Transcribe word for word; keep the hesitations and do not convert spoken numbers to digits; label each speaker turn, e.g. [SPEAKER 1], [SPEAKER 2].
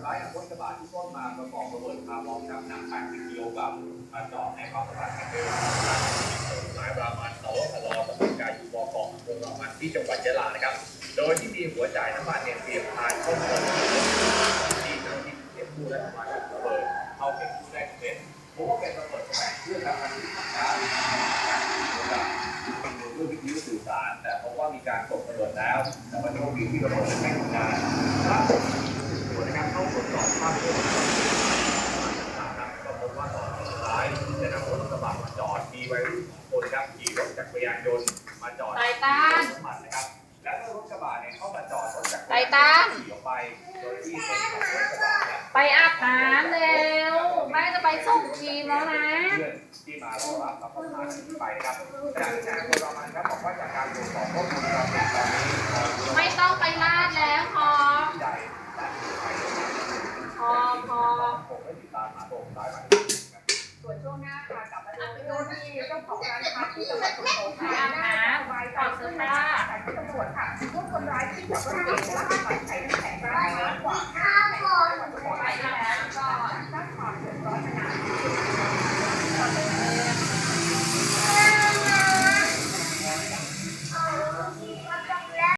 [SPEAKER 1] ายรถกระบะที่ต้นมาประกอบระเบิดคาร์บอนครับหนักแปดสิบกิโลกรัมมาจอดในความสามารถแห่งเดิมหมายรามันสวพลตำบลกายูบอเกาะอำเภอรามันที่จังหวัดยะลานะครับโดยที่มีหัวจ่ายน้ำมันเนี่ยเตรียมพานเข้ามาที่เจ้าหน้าที่เก็บกู้และทำลายระเบิดเข้าเก็บกู้ได้สำเร็จพบว่าเป็นระเบิดแสวงเครื่องทำงานด้วยวิทยุสื่อสารแต่พบว่ามีการตกระเบิดแล้วแต่ว่าโชคดีที่ระเบิดไม่ทำงานล่าสุดตรวจนะครับเข้าตรวจสอบภาพรวมก็พบว่าตอนสุดท้ายได้นำรถกระบะมาจอดมีวัยรุ่นสองคนครับขี่รถจักรยานยนต์มาจอดที่น้ำมันนะครับแล้วรถกระบะเนี่ยเข้ามาจอดรถจักรยานยนต์ขี่ออกไปโดยที่คนขับรถกระบะเนี่ย
[SPEAKER 2] ไปอาบน้ำเร็วแม่จะไปส่งทีมแล้วนะ
[SPEAKER 1] ที่มารอรับรับประทานไปนะครับจากที่นายอำเภอรามันครับบอกว่าจากการตรวจสอบข้อมูลการติดตอนนี้
[SPEAKER 2] ไม่ต้องไปลาดแล้วพอ
[SPEAKER 1] ใหญ่
[SPEAKER 2] พอพอ
[SPEAKER 1] ผมไม่ติดตามหาตัวคนร้ายมา
[SPEAKER 3] ส่วนช่วงหน้าค่ะกลับมาดูที่เจ้าของร้านค้าที่จังหวัดสุโขทัย
[SPEAKER 2] อาบน้ำถอดเสื้อผ้า
[SPEAKER 3] ตำรวจค่ะพวกคนร้ายที่ขับรถเก๋งและขับ